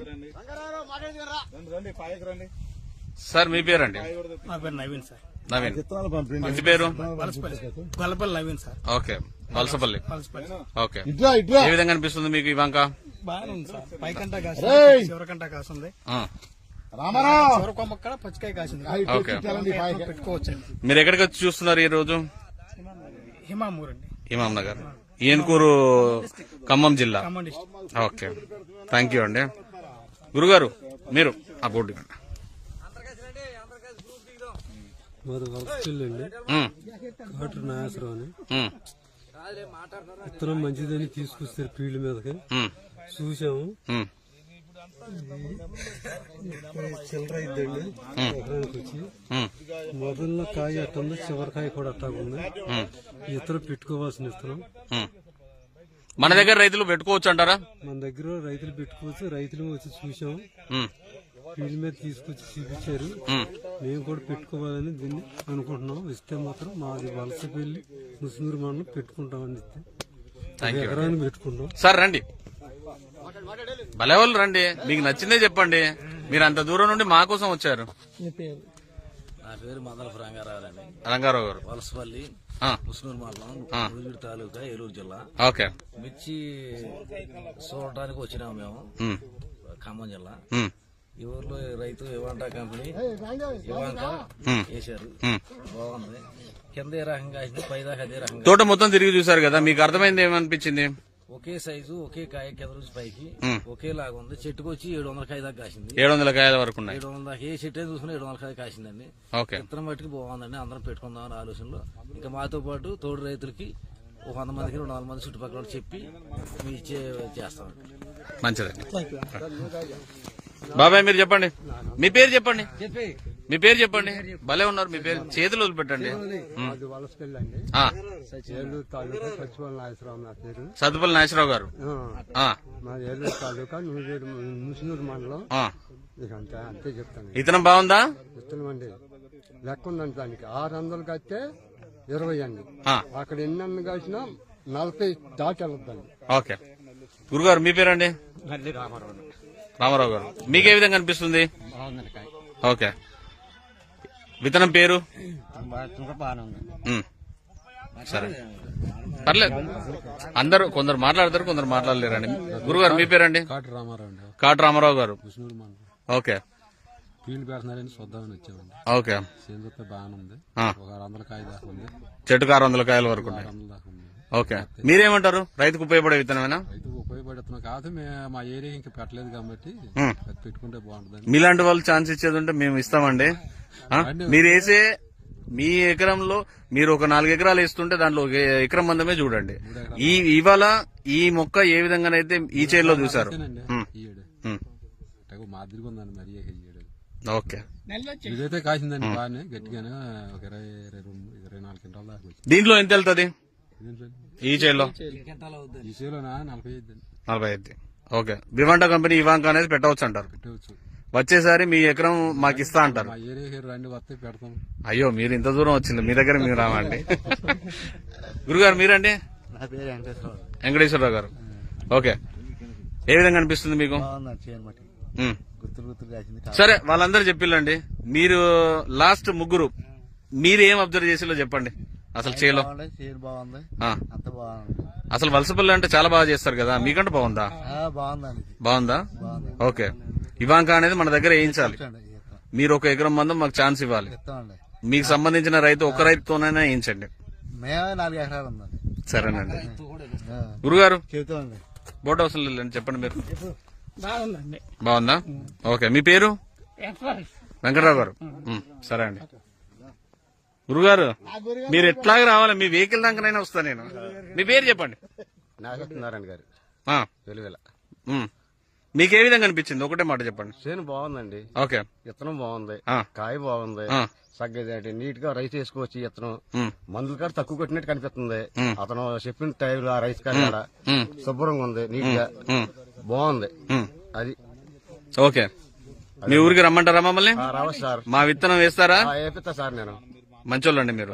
B: సార్ మీ పేరండి?
D: నా పేరు నవీన్ సార్,
B: నవీన్.
A: విత్తనాలు పంపిండి.
B: ఇంటి పేరు?
D: Valasapalli Gollapalli Naveen sir,
B: okay. Valasapalli.
D: Valasapalli.
B: Okay.
A: ఇట్లా ఇట్లా
B: ఏ విధంగా అనిపిస్తుంది మీకు ఇవాంక?
D: బాగానే ఉంది సార్, పైకంటా
A: రేయ్!
D: కాసింది, చివరికంటా కాసింది,
B: ఆ,
A: రామారావు
D: చివరి కొమ్మ కూడా పచ్చికాయ కాసింది.
B: ఓకే.
D: పెట్టుకోవచ్చండి.
B: మీరు ఎక్కడికి వచ్చి చూస్తున్నారు ఈ రోజు?
D: హిమామూర్ అండి,
B: ఇమాం నగర్, ఏన్కూరు, ఖమ్మం జిల్లా.
D: Khammam district.
B: Okay. Thank you అండి. గురుగారు మీరు ఆ బోర్డు ఇవ్వండి.
E: మాది వలసపల్లి అండి.
B: ఉమ్,
E: కాటు నాగేశ్వరరావు అని.
B: ఉమ్,
E: విత్తనం మంచిదని తీసుకొస్తారు ఫీల్డ్ మీదకి.
B: ఉమ్,
E: చూసాము.
B: ఉమ్,
E: చిల్లర అయిద్దండి ఎకరానికి వచ్చి.
B: ఉమ్,
E: మొదల్లో కాయ అట్టుంది, చివరికాయ కూడా అట్టాగుంది.
B: ఉమ్,
E: ఇతరం పెట్టుకోవాల్సిన విత్తనం.
B: ఉమ్. మన దగ్గర రైతులు పెట్టుకోవచ్చు అంటారా?
E: మన దగ్గర రైతులు పెట్టుకోవచ్చు. రైతులు వచ్చి చూసాము,
B: ఉమ్,
E: ఫీల్డ్ మీద తీసుకొచ్చి చూపించారు.
B: ఉమ్.
E: మేము కూడా పెట్టుకోవాలని దీన్ని అనుకుంటున్నాం. ఇస్తే మాత్రం మాది వలసపల్లి ముస్నూరు మండలం పెట్టుకుంటామని ఇస్తే
B: థ్యాంక్ యూ.
E: ఎకరాన్ని పెట్టుకుంటాం.
B: సార్ రండి, భలే వాళ్ళు రండి, మీకు నచ్చిందే చెప్పండి. మీరు అంత దూరం నుండి మా కోసం వచ్చారు.
F: నా పేరు మందలపు రంగారావు అండి.
B: రంగారావు గారు.
F: వలసపల్లి
B: ఆ,
F: ముస్నూరు మండలం
B: ఆ.
F: ముదిగూడి తాలూకా ఏలూరు జిల్లా.
B: ఓకే.
F: మిర్చి చూడటానికి వచ్చినాము మేము,
B: ఉమ్,
F: ఖమ్మం జిల్లా.
B: ఉమ్,
F: ఈ ఊర్లో రైతు ఇవాంటా కంపెనీ ఇవాంక
B: ఉమ్,
F: వేశారు.
B: ఉమ్.
F: బాగుంది. కింద ఏ రకంగా వేసింది, పైదాకా అదే రకంగా.
B: తోట మొత్తం తిరిగి చూసారు కదా, మీకు అర్థమైంది ఏమనిపించింది?
F: ఒకే సైజు, ఒకే కాయ, కింద నుంచి పైకి
B: ఉమ్.
F: ఒకేలాగా ఉంది. చెట్టుకు వచ్చి ఏడు వందల కాయ దాకా కాసింది.
B: ఏడు వందల కాయల వరకు ఉన్నాయి.
F: ఏడు వందల దాకా ఏ చెట్టు అయినా చూసుకుని ఏడు వందల కాయ కాసిందండి.
B: ఓకే.
F: విత్తనం మట్టికి బాగుందండి. అందరం పెట్టుకుందామని ఆలోచనలో ఇంకా మాతో పాటు తోడు రైతులకి ఒక వంద మందికి రెండు వందల మంది చుట్టుపక్కల వాళ్ళకి చెప్పి మీ ఇచ్చే చేస్తాం.
B: మంచిదండి. బాబాయ్ మీరు చెప్పండి, మీ పేరు చెప్పండి. మీ పేరు చెప్పండి. భలే ఉన్నారు, మీ పేరు చేతులు వదిలిపెట్టండి.
E: మాది వలసపల్లి అండి.
B: ఆ,
E: ఏలూరు తాలూకా సచివాలయ నాగేశ్వరరావు నా పేరు.
B: సత్తుపల్లి నాగేశ్వరరావు గారు.
E: ఆ,
B: ఆ,
E: మాది ఏలూరు తాలూకా నూజేడు ముస్నూరు మండలం.
B: ఆ.
E: ఇక అంతే అంతే చెప్తాను.
B: ఇతనం బాగుందా?
E: విత్తనం అండి లెక్క ఉందండి దానికి. ఆరు వందలు కడితే ఇరవై అండి.
B: ఆ,
E: అక్కడ ఎన్ని అన్న కాసినా నలభై దాటి వెళ్ళొద్దండి.
B: ఓకే. గురుగారు మీ పేరండి? రామారావు గారు. మీకే విధంగా అనిపిస్తుంది? ఓకే. విత్తనం పేరు? ఉమ్. సరే, పర్లేదు. అందరూ కొందరు మాట్లాడతారు, కొందరు మాట్లాడలేరండి. గురుగారు మీ పేరండి?
C: కాటు రామారావు అండి,
B: కాటు రామారావు గారు.
C: ముస్నూరు మండలం.
B: ఓకే.
C: ఫీల్డ్ పెడుతున్నారని చూద్దామని వచ్చామండి.
B: ఓకే.
C: సేంద్రత బాగానే ఉంది.
B: ఆ.
C: ఒక ఆరు వందల కాయ దాకా ఉంది.
B: చెట్టుకు ఆరు వందల కాయల వరకు
C: ఆరు
B: ఉన్నాయి.
C: వందల దాకా ఉంది.
B: ఓకే. మీరేమంటారు? రైతుకు ఉపయోగపడే విత్తనమేనా?
C: రైతుకు ఉపయోగపడుతున్నాం కాదు, మేము మా ఏరియా ఇంకా పెట్టలేదు కాబట్టి
B: ఉమ్.
C: అది పెట్టుకుంటే బాగుంటుందండి.
B: మీలాంటి వాళ్ళు ఛాన్స్ ఇచ్చేది ఉంటే మేము ఇస్తామండి. ఆ? మీరు వేసే మీ ఎకరంలో మీరు ఒక నాలుగు ఎకరాలు వేస్తుంటే దాంట్లో ఒక ఎకరం మందమే చూడండి. ఈ ఇవాళ ఈ మొక్క ఏ విధంగానైతే ఈ చేతిలో చూసారు.
C: అంతేనండి.
B: ఉమ్,
C: ఈ ఏడు
B: ఉమ్.
C: తెగ మాదిరిగా ఉందండి మరి ఈ ఏడు.
B: ఓకే.
C: ఇదైతే కాసిందండి బాగానే గట్టిగానే, ఒక ఇరవై ఇరవై రెండు ఇరవై నాలుగు క్వింటాల దాకా వచ్చింది.
B: దీంట్లో ఎంత వెళ్తుంది
C: ఇదేంటండి?
B: ఈ చేతిలో?
C: ఈ సేలోనా నలభై ఐదు అండి.
B: నలభై ఐదు. ఓకే. వివాంటా కంపెనీ ఇవాంక అనేది పెట్టవచ్చు అంటారు.
C: పెట్టవచ్చు.
B: వచ్చేసారి మీ ఎకరం మాకు ఇస్తా అంటారు.
C: మా ఏరియా రండి వస్తే పెడతాం.
B: అయ్యో మీరు ఇంత దూరం వచ్చింది, మీ దగ్గర మీరు రావండి. గురుగారు మీరండి?
G: నా పేరు వెంకటేశ్వరరావు.
B: వెంకటేశ్వరరావు గారు. ఓకే. ఏ విధంగా అనిపిస్తుంది మీకు?
G: బాగుందండి చేయనమాట.
B: ఉమ్.
G: గుర్తులు గుర్తులు కాసింది.
B: సరే, వాళ్ళందరూ చెప్పిల్లండి. మీరు లాస్ట్ ముగ్గురు మీరు ఏం అబ్జర్వ్ చేసిలో చెప్పండి. అసలు చేలో
G: బాగుంది, చీర బాగుంది,
B: ఆ.
G: అంత బాగుంది.
B: అసలు వలసపల్లి అంటే చాలా బాగా చేస్తారు కదా, మీకంటే బాగుందా?
G: ఆ, బాగుందండి ఇది.
B: బాగుందా?
G: బాగుంది.
B: ఓకే. ఇవాంక అనేది మన దగ్గర వేయించాలి.
G: ఇస్తాండి, ఇస్తాం.
B: మీరు ఒక ఎకరం మందం మాకు ఛాన్స్ ఇవ్వాలి.
G: ఇస్తామండి.
B: మీకు సంబంధించిన రైతు ఒక రైతుతోనైనా వేయించండి.
G: మేమే నాలుగు ఎకరాలు ఉందండి.
B: సరేనండి.
G: ఆ,
B: గురుగారు
G: చెబుతామండి.
B: బోట్ హౌస్ వెళ్ళండి, చెప్పండి మీరు.
D: బాగుందండి.
B: బాగుందా? ఓకే. మీ పేరు? వెంకటరావు గారు. ఉమ్, సరే అండి. గురుగారు మీరు ఎట్లాగ రావాలి, మీ వెహికల్ దాకానైనా వస్తా నేను. మీ పేరు చెప్పండి.
E: నాగేశ్వరనారాయణ గారు
B: ఆ,
E: వెలువెల.
B: ఉమ్. మీకు ఏ విధంగా అనిపించింది? ఒకటే మాట చెప్పండి.
E: చేను బాగుందండి.
B: ఓకే.
E: విత్తనం బాగుంది.
B: ఆ.
E: కాయ బాగుంది.
B: ఆ.
E: సగ్గది నీట్ గా రైస్ వేసుకోవచ్చు. విత్తనం
B: ఉమ్,
E: మందులు కాడ తక్కువ కొట్టినట్టు కనిపిస్తుంది.
B: ఉమ్.
E: అతను చెప్పిన టైంలో ఆ రైస్ కాడ కాడ
B: ఉమ్,
E: శుభ్రంగా ఉంది, నీట్ గా
B: ఉమ్,
E: బాగుంది.
B: ఉమ్.
E: అది
B: ఓకే. మీ ఊరికి రమ్మంటారా మమ్మల్ని?
E: ఆ, రావచ్చు సార్.
B: మా విత్తనం వేస్తారా?
E: ఆ, వేపిస్తా సార్ నేను.
B: మంచోళ్ళండి మీరు.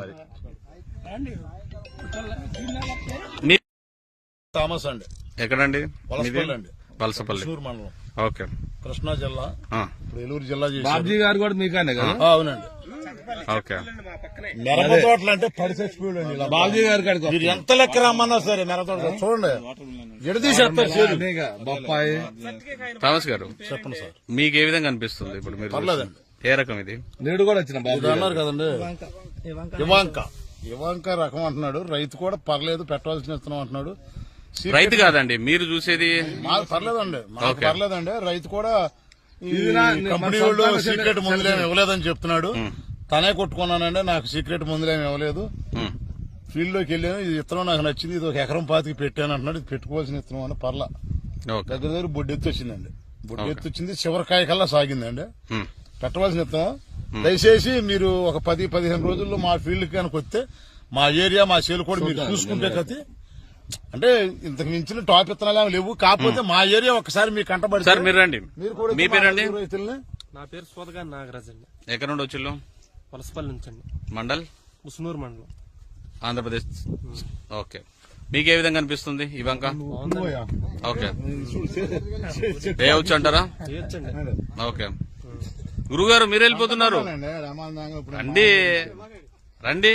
B: మీ
A: థామస్ అండి,
B: ఎక్కడండి?
A: వలసపల్లి అండి,
B: వలసపల్లి.
A: చిత్తూరు మండలం,
B: ఓకే.
A: కృష్ణా జిల్లా.
B: ఆ,
A: ఇప్పుడు ఏలూరు జిల్లా చేశారు.
H: బాబ్జీ గారు కూడా మీకనే కదా?
A: ఆ, అవునండి.
B: ఓకే.
A: మిరప తోటలు అంటే పడి చచ్చిపోయాడు అండి ఇలా.
H: బాబ్జీ గారి కాడికి
A: మీరు ఎంత లెక్క రమ్మన్నా సరే మిరప తోట చూడండి, ఎడదీసేస్తారు చేదు.
H: అనేక బొప్పాయి.
B: థామస్ గారు
A: చెప్పండి సార్.
B: మీకు ఏ విధంగా అనిపిస్తుంది ఇప్పుడు మీరు
A: పర్లేదండి.
B: ఏ రకం ఇది?
H: నేడు కూడా వచ్చిన బాబు
A: ఇది అన్నారు కదండి, ఇవాంక ఇవాంక రకం అంటున్నాడు. రైతు కూడా పర్లేదు, పెట్టవలసిన ఇస్తున్నాం అంటున్నాడు.
B: రైతు కాదండి మీరు చూసేది.
A: మాకు పర్లేదండి, మాకు
B: ఓకే.
A: పర్లేదండి. రైతు కూడా ఈ
H: ఇది నా-
A: కంపెనీ
H: మన
A: వాళ్ళు
H: సొంతంగా
A: సీక్రెట్ మందులేమి ఇవ్వలేదని చెప్తున్నాడు. తనే కొట్టుకున్నానండి, నాకు సీక్రెట్ మందులేమి ఇవ్వలేదు.
B: ఉమ్,
A: ఫీల్డ్ లోకి వెళ్ళాను, ఇది విత్తనం నాకు నచ్చింది, ఇది ఒక ఎకరం పాతికి పెట్టాను అంటున్నాడు. ఇది పెట్టుకోవాల్సిన విత్తనం అని పర్లా
B: ఓకే.
A: దగ్గర దగ్గర బొడ్డెత్తి వచ్చిందండి. బొడ్డెత్తి వచ్చింది, చివరికాయ కల్లా సాగిందండి.
B: ఉమ్,
A: పెట్టవలసిన విత్తనం. దయచేసి మీరు ఒక పది పదిహేను రోజుల్లో మా ఫీల్డ్ కనుక వస్తే మా ఏరియా మా సేలు కూడా మీరు చూసుకుంటే కతి అంటే ఇంతకు మించిన టాప్ విత్తనాలు ఏమి లేవు. కాకపోతే మా ఏరియా ఒకసారి మీ కంటబడి
B: సార్ మీరు రండి.
A: మీరు కూడా
B: మీ పేరండి?
A: రైతుల్ని
E: నా పేరు సోదగా నాగరాజ్ అండి,
B: ఎక్కడ నుండి వచ్చిల్లు?
E: వలసపల్లి నుంచి అండి,
B: మండల్
E: ముసునూరు మండలం.
B: ఆంధ్రప్రదేశ్. ఓకే. మీకు ఏ విధంగా అనిపిస్తుంది ఈ బంక? ఓకే. వేయవచ్చు అంటారా?
E: చేయొచ్చండి.
B: ఓకే. గురుగారు మీరు వెళ్ళిపోతున్నారు, రండి రండి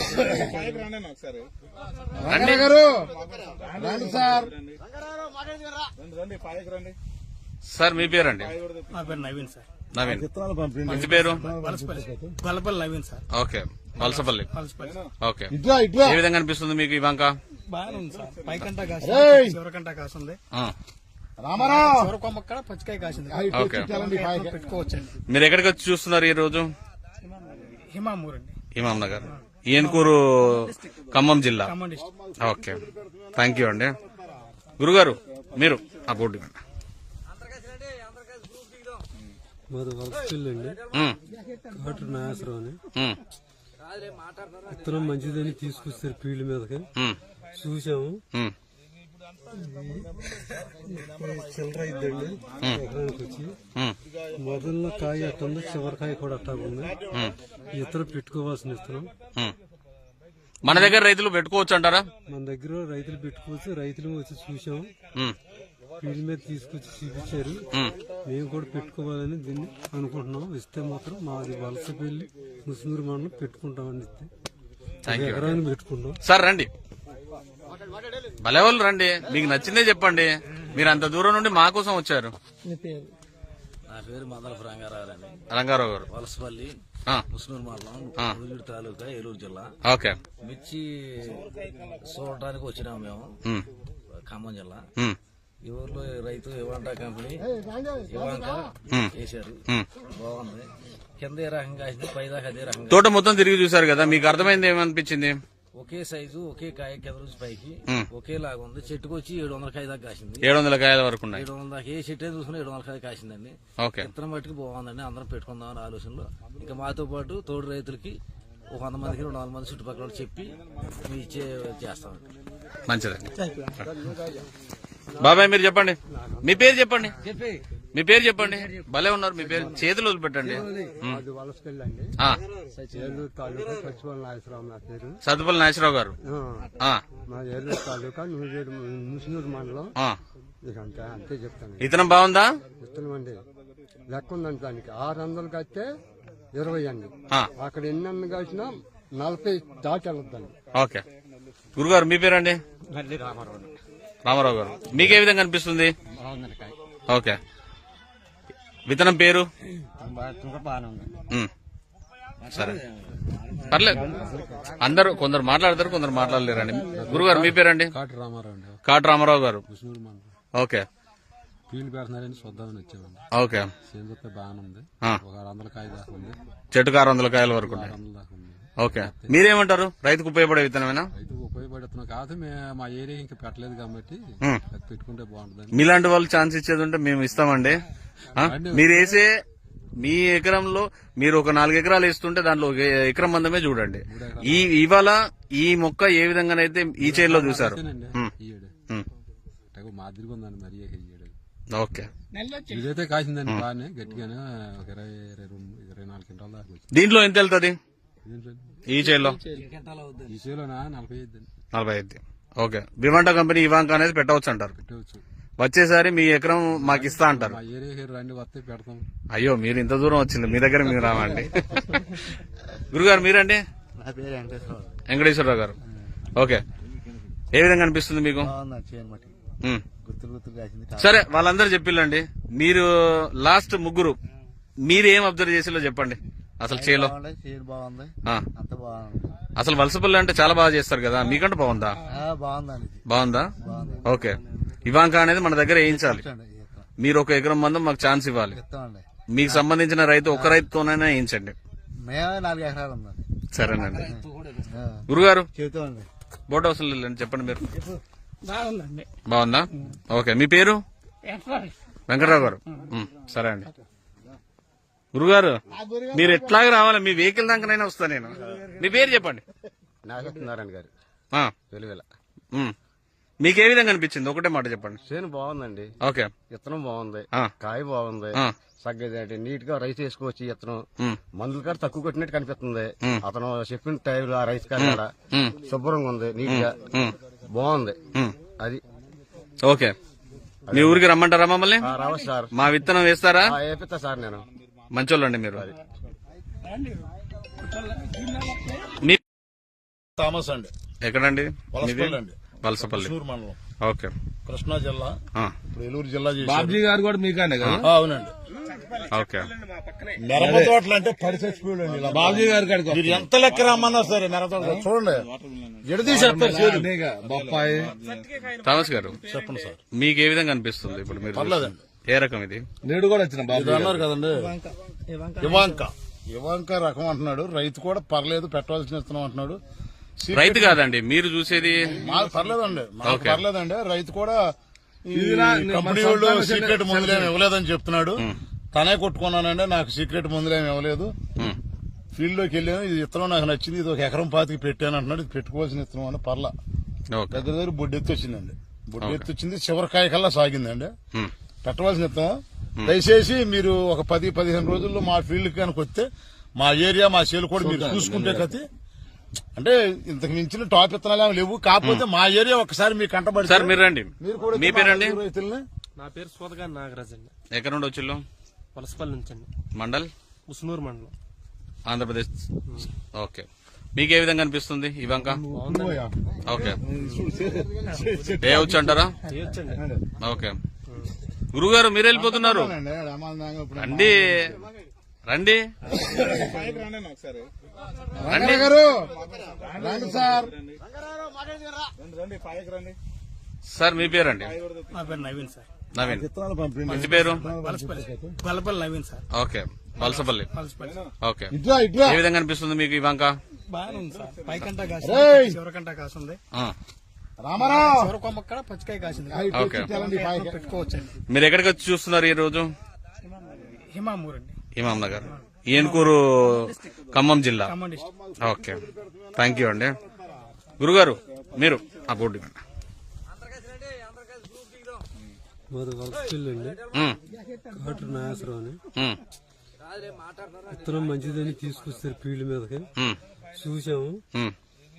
B: రండి
A: గారు రండి సార్.
B: సార్ మీ పేరండి?
D: నా పేరు నవీన్ సార్.
B: నవీన్.
A: విత్తనాలు పంపించండి.
B: ఇంటి పేరు?
D: Valasapalli Gollapalli Naveen sir.
B: Okay. Valasapalli.
D: Valasapalli
B: okay.
A: ఇట్లా ఇట్లా
B: ఏ విధంగా అనిపిస్తుంది మీకు ఈ బంక?
D: బాగానే ఉంది సార్. పైకంటా కాసింది,
A: రేయ్!
D: చివరికంటా కాసింది.
B: ఆ,
A: రామారావు
D: చివరి కొమ్మ కూడా పచ్చికాయ కాసింది.
B: ఓకే.
D: పెట్టుకోవచ్చండి.
B: మీరు ఎక్కడికి వచ్చి చూస్తున్నారు ఈ రోజు?
D: హిమామూర్ అండి,
B: ఇమాం నగర్, ఏన్కూరు, ఖమ్మం జిల్లా.
D: Khammam district.
B: Okay. Thank you అండి. గురుగారు మీరు ఆ బోర్డు ఇవ్వండి.
E: మాది వలసపల్లి అండి,
B: ఉమ్,
E: కాటు నాగేశ్వరం అని.
B: ఉమ్,
E: విత్తనం మంచిదని తీసుకొస్తారు ఫీల్డ్ మీదకి,
B: ఉమ్,
E: చూసాము.
B: ఉమ్,
E: చిల్లర ఇద్దండి ఎకరానికి వచ్చి.
B: ఉమ్,
E: మొదల్లో కాయ అట్టుంది, చివరికాయ కూడా అట్టాగుంది.
B: ఉమ్,
E: ఇతర పెట్టుకోవాల్సిన ఇత్తనం
B: ఉమ్. మన దగ్గర రైతులు పెట్టుకోవచ్చు అంటారా?
E: మన దగ్గర రైతులు పెట్టుకోవచ్చు, రైతులు వచ్చి చూసాము,
B: ఉమ్,
E: ఫీల్డ్ మీద తీసుకొచ్చి చూపించారు.
B: ఉమ్.
E: మేము కూడా పెట్టుకోవాలని దీన్ని అనుకుంటున్నాం. ఇస్తే మాత్రం మాది వలసపల్లి ముస్నూరు మండలం పెట్టుకుంటామని ఇస్తే
B: థ్యాంక్ యూ.
E: ఎకరాన్ని పెట్టుకుంటాం.
B: సార్ రండి, భలే వాళ్ళు రండి, మీకు నచ్చిందే చెప్పండి. మీరు అంత దూరం నుండి మా కోసం వచ్చారు.
F: నా పేరు మందలపు రంగారావు అండి,
B: రంగారావు గారు.
F: వలసపల్లి
B: ఆ,
F: ముస్నూరు మండలం, గురుజూడు తాలూకా, ఏలూరు జిల్లా.
B: ఓకే.
F: మిర్చి చూడటానికి వచ్చినాము మేము,
B: ఉమ్,
F: ఖమ్మం జిల్లా.
B: ఉమ్,
F: ఈ ఊర్లో రైతు ఇవాంటా కంపెనీ ఇవాంక చేశారు,
B: ఉమ్.
F: బాగుంది. కింద ఏ రకంగా కాసింది, పైదాకా అదే రకంగా.
B: తోట మొత్తం తిరిగి చూసారు కదా, మీకు అర్థమైంది ఏమనిపించింది?
F: ఒకే సైజు, ఒకే కాయ, కింద నుంచి పైకి
B: ఉమ్.
F: ఒకేలాగా ఉంది. చెట్టుకు వచ్చి ఏడు వందల కాయ దాకా కాసింది.
B: ఏడు వందల కాయల వరకు ఉన్నాయి.
F: ఏడు వందల దాకా ఏ చెట్టు చూసుకుని ఏడు వందల కాయ కాసిందండి.
B: ఓకే.
F: విత్తనం మట్టుకు బాగుందండి. అందరం పెట్టుకుందాం అనే ఆలోచనలో, ఇంకా మాతో పాటు తోడు రైతులకి ఒక వంద మందికి రెండు వందల మంది చుట్టుపక్కల వాళ్ళకి చెప్పి మీ ఇచ్చే చేస్తామండి.
B: మంచిదండి. బాబాయ్ మీరు చెప్పండి, మీ పేరు చెప్పండి, మీ పేరు చెప్పండి. భలే ఉన్నారు, మీ పేరు చేతులు వదిలిపెట్టండి. ఉమ్.
E: అది వలసపల్లి అండి,
B: ఆ,
E: ఏలూరు తాలూకా సచివాలయ నాగేశ్వరరావు నా పేరు.
B: సత్తుపల్లి నాగేశ్వరరావు గారు. ఆ,
E: మా ఏలూరు తాలూకా నూజేడు ముసునూరు మండలం.
B: ఆ.
E: ఇక అంతే అంతే చెప్తాను.
B: విత్తనం బాగుందా?
E: విత్తనం అండి లెక్క ఉందండి దానికి. ఆరు వందలు కడితే ఇరవై అండి,
B: ఆ,
E: అక్కడ ఎన్ని అన్న కాసినా నలభై దాటి వెళ్ళొద్దండి.
B: ఓకే. గురుగారు మీ పేరండి?
E: మళ్ళీ రామారావు
B: రామారావు గారు, మీకే విధంగా అనిపిస్తుంది? ఓకే. విత్తనం పేరు?
E: బాగానే ఉంది.
B: ఉమ్. సరే పర్లేదు, అందరూ కొందరు మాట్లాడతారు, కొందరు మాట్లాడలేరండి. గురుగారు మీ పేరండి?
C: కాటు రామారావు అండి,
B: కాటు రామారావు గారు.
C: ముసునూరు మండలం.
B: ఓకే.
C: ఫీల్డ్ పెడుతున్నారని చూద్దామని వచ్చామండి.
B: ఓకే.
C: సేంద్రత బాగానే ఉంది,
B: ఆ.
C: ఒక ఆరు వందల కాయ దాకా ఉంది,
B: చెట్టుకు ఆరు వందల కాయల వరకు ఉన్నాయి.
C: ఆరు వందల దాకా ఉంది.
B: ఓకే. మీరేమంటారు? రైతుకు ఉపయోగపడే విత్తనమేనా?
C: రైతుకు ఉపయోగపడుతున్నాం కాదు, మేము మా ఏరియా ఇంకా పెట్టలేదు కాబట్టి
B: ఉమ్.
C: అది పెట్టుకుంటే బాగుంటుంది.
B: మీలాంటి వాళ్ళు ఛాన్స్ ఇచ్చేది ఉంటే మేము ఇస్తామండి. ఆ? మీరు వేసే మీ ఎకరంలో మీరు ఒక నాలుగు ఎకరాలు వేస్తుంటే దాంట్లో ఒక ఎకరం మందమే చూడండి. ఈ ఇవాళ ఈ మొక్క ఏ విధంగానైతే ఈ చేతిలో చూసారు. ఉమ్.
C: ఈ ఏడు
B: ఉమ్.
C: అంటే మాదిరిగా ఉందండి మరి ఈ ఏడు.
B: ఓకే.
C: ఇదైతే కాసిందండి బాగానే గట్టిగానే, ఒక ఇరవై ఇరవై రెండు ఇరవై నాలుగు క్వింటాల దాకా వచ్చింది.
B: దీంట్లో ఎంత వెళ్తుంది
C: ఇదేంటండి?
B: ఈ చేతిలో?
C: ఈ చేలోనా నలభై ఐదు అండి.
B: నలభై ఐదు. ఓకే. వివాంటా కంపెనీ ఇవాంక అనేది పెట్టవచ్చు అంటారు.
C: పెట్టవచ్చు.
B: వచ్చేసారి మీ ఎకరం మాకు ఇస్తా అంటారు.
C: మా ఏరియా రండి వస్తే పెడతాం.
B: అయ్యో మీరు ఇంత దూరం వచ్చింది, మీ దగ్గర మీరు రావండి. గురుగారు మీరండి?
G: నా పేరు వెంకటేశ్వరరావు.
B: వెంకటేశ్వరరావు గారు. ఓకే. ఏ విధంగా అనిపిస్తుంది మీకు?
G: బాగుంది చేయను మట్టి,
B: ఉమ్.
G: గుర్తులు గుర్తులు కాసింది.
B: సరే వాళ్ళందరూ చెప్పిల్లండి, మీరు లాస్ట్ ముగ్గురు మీరు ఏం అబ్జర్వ్ చేసిలో చెప్పండి. అసలు చేలో
G: బాగుంది, చేను బాగుంది,
B: ఆ.
G: అంత బాగుంది.
B: అసలు వలసపల్లి అంటే చాలా బాగా చేస్తారు కదా, మీకంటే బాగుందా?
G: ఆ, బాగుందండి ఇది.
B: బాగుందా?
G: బాగుంది.
B: ఓకే. ఇవాంక అనేది మన దగ్గర వేయించాలి.
G: ఇస్తాండి, ఇస్తాం.
B: మీరు ఒక ఎకరం మందం మాకు ఛాన్స్ ఇవ్వాలి.
G: ఇస్తామండి.
B: మీకు సంబంధించిన రైతు ఒక రైతుతోనైనా వేయించండి.
G: మేమే నాలుగు ఎకరాలు ఉందండి.
B: సరేనండి.
G: ఆ,
B: గురుగారు
G: చెబుతామండి.
B: బోట్ హౌస్ చెప్పండి మీరు.
D: బాగుందండి.
B: బాగుందా? ఓకే. మీ పేరు? వెంకటరావు గారు. ఉమ్, సరే అండి. గురుగారు మీరు ఎట్లాగా రావాలి, మీ వెహికల్ దాకానైనా వస్తా నేను. మీ పేరు చెప్పండి.
I: నాగేశ్వరనారాయణ గారు
B: ఆ,
I: వెలువెల.
B: ఉమ్. మీకు ఏ విధంగా అనిపించింది? ఒకటే మాట చెప్పండి.
I: చేను బాగుందండి,
B: ఓకే.
I: విత్తనం బాగుంది,
B: ఆ.
I: కాయ బాగుంది,
B: ఆ.
I: సగ్గది నీట్ గా రైస్ వేసుకోవచ్చు. ఈ విత్తనం
B: ఉమ్,
I: మందుల కాడ తక్కువ కొట్టినట్టు కనిపిస్తుంది.
B: ఉమ్.
I: అతను చెప్పిన టైంలో ఆ రైస్ కాడ కూడా
B: ఉమ్,
I: శుభ్రంగా ఉంది, నీట్ గా
B: ఉమ్,
I: బాగుంది.
B: ఉమ్.
I: అది
B: ఓకే. మీ ఊరికి రమ్మంటారా మమ్మల్ని?
I: ఆ, రావచ్చు సార్.
B: మా విత్తనం వేస్తారా?
I: ఆ, వేపిస్తా సార్ నేను.
B: మంచోళ్ళండి మీరు. మీ
A: థామస్ అండి,
B: ఎక్కడండి?
A: వలసపల్లి అండి,
B: వలసపల్లి.
A: కృష్ణూరు మండలం,
B: ఓకే.
A: కృష్ణా జిల్లా.
B: ఆ,
A: ఇప్పుడు ఏలూరు జిల్లా చేశారు.
H: బాబ్జీ గారు కూడా మీకానే కదా?
A: ఆ, అవునండి.
B: ఓకే.
A: మిరప తోటలు అంటే పడి చచ్చిపోయాడు అండి ఇలా.
H: బాబ్జీ గారి కాడికి
A: మీరు ఎంత లెక్క రమ్మన్నా సరే మిరప తోట చూడండి ఎడదీసేస్తారు చేదు.
H: అనేక బొప్పాయి.
B: థామస్ గారు
A: చెప్పండి సార్.
B: మీకు ఏ విధంగా అనిపిస్తుంది ఇప్పుడు మీరు
A: పర్లేదండి.
B: చూస్తే? ఏ రకం ఇది?
H: నేడు కూడా వచ్చిన బాబు
A: ఇది అన్నారు కదండి ఇవాంక ఇవాంక రకం అంటున్నాడు. రైతు కూడా పర్లేదు, పెట్టవలసిన ఇస్తున్నాం అంటున్నాడు.
B: రైతు కాదండి మీరు చూసేది.
A: మాకు పర్లేదండి, మాకు
B: ఓకే.
A: పర్లేదండి. రైతు కూడా ఈ
H: ఇది నా-
A: కంపెనీ
H: మా
A: వాళ్ళు
H: సొంతంగా
A: సీక్రెట్
H: చిన్న-
A: మందులేమి ఇవ్వలేదని చెప్తున్నాడు. తనే కొట్టుకున్నానండి, నాకు సీక్రెట్ మందులేమి ఇవ్వలేదు.
B: ఉమ్,
A: ఫీల్డ్ లోకి వెళ్ళాను, ఇది ఇత్తనం నాకు నచ్చింది, ఇది ఒక ఎకరం పాతికి పెట్టాను అంటున్నాడు. ఇది పెట్టుకోవాల్సిన ఇత్తనం అని పర్లా.
B: ఓకే.
A: దగ్గర దగ్గర బొడ్డెత్తి వచ్చిందండి. బొడ్డెత్తి వచ్చింది, చివరికాయ కల్లా సాగిందండి.
B: ఉమ్,
A: పెట్టవలసిన ఇత్తనం. దయచేసి మీరు ఒక పది పదిహేను రోజుల్లో మా ఫీల్డ్ కనుక వస్తే మా ఏరియా మా సేలు కూడా మీరు చూసుకుంటే కతి అంటే ఇంతకు మించిన టాప్ ఇత్తనాలు ఏమి లేవు. కాకపోతే మా ఏరియా ఒకసారి మీకు కంటబడి
B: సార్ మీరు రండి.
A: మీరు కూడా
B: మీ పేరండి?
A: మా రైతుల్ని
E: నా పేరు సోదగా నాగరాజ్ అండి,
B: ఎక్కడ నుండి వచ్చిల్లు?
E: వలసపల్లి నుంచి అండి,
B: మండల్
E: ముసునూరు మండలం.
B: ఆంధ్రప్రదేశ్. ఓకే. మీకు ఏ విధంగా అనిపిస్తుంది ఇవంక? ఓకే. వేయవచ్చు అంటారా? ఓకే. గురుగారు మీరు వెళ్ళిపోతున్నారు. రండి రండి రండి
A: గారు రండి సార్.
B: సార్ మీ పేరండి?
D: నా పేరు నవీన్ సార్.
B: నవీన్.
A: విత్తనాలు పంపిండి.
B: ఇంటి పేరు?
D: Valasapalli Valapalli Naveen sir.
B: Okay. Valasapalli.
D: Valasapalli
B: okay.
A: ఇట్లా ఇట్లా
B: ఏ విధంగా అనిపిస్తుంది మీకు ఇవంక?
D: బాగానే ఉంది సార్. పైకంట
A: రేయ్!
D: కాసింది, చివరికంట కాసింది.
B: ఆ,
A: రామారావు
D: చివరి కొమ్మ కూడా పచ్చికాయ కాసింది.
B: ఓకే.
D: పెట్టుకోవచ్చండి.
B: మీరు ఎక్కడికి వచ్చి చూస్తున్నారు ఈ రోజు?
D: హిమామూర్ అండి,
B: ఇమాం నగర్, ఏనుకూరు, ఖమ్మం జిల్లా.
D: Khammam district.
B: Okay. Thank you అండి. గురుగారు మీరు ఆ బోర్డు ఇవ్వండి.
E: మాది వలసపల్లి అండి,
B: ఉమ్,
E: కాటు నాగేశ్వరం అని.
B: ఉమ్,
E: విత్తనం మంచిదని తీసుకొస్తారు ఫీల్డ్ మీదకి,
B: ఉమ్,
E: చూసాము.
B: ఉమ్,